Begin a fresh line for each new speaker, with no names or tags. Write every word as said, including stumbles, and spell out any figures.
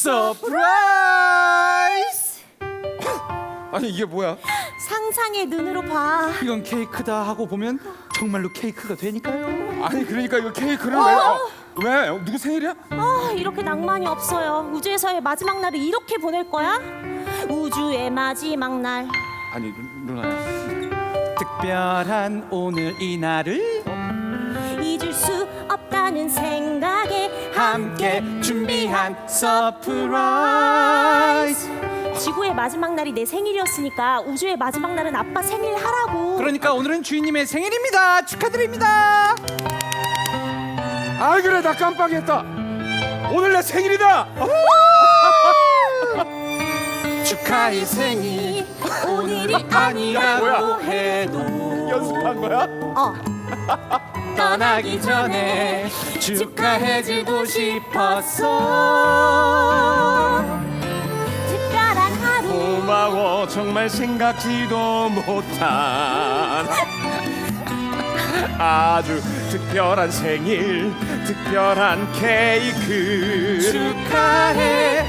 서프라이즈!
아니 이게 뭐야?
상상의 눈으로 봐.
이건 케이크다 하고 보면 정말로 케이크가 되니까요.
아니 그러니까 이거 케이크를 왜? 어, 왜? 누구 생일이야?
아, 이렇게 낭만이 없어요. 우주에서의 마지막 날을 이렇게 보낼 거야? 우주의 마지막 날.
아니 루- 루나야.
특별한 오늘 이 날을
잊을 수 없다는 생각에
함께 준비한 서프라이즈.
지구의 마지막 날이 내 생일이었으니까 우주의 마지막 날은 아빠 생일 하라고.
그러니까 오늘은 주인님의 생일입니다. 축하드립니다.
아 그래 나 깜빡했다. 오늘 내 생일이다.
축하의 생일
오늘이
아니라고
뭐야?
해도
연습한 거야?
어.
떠나기 전에 축하해주고 싶었어.
특별한 하루.
고마워 정말 생각지도 못한 아주 특별한 생일 특별한 케이크
축하해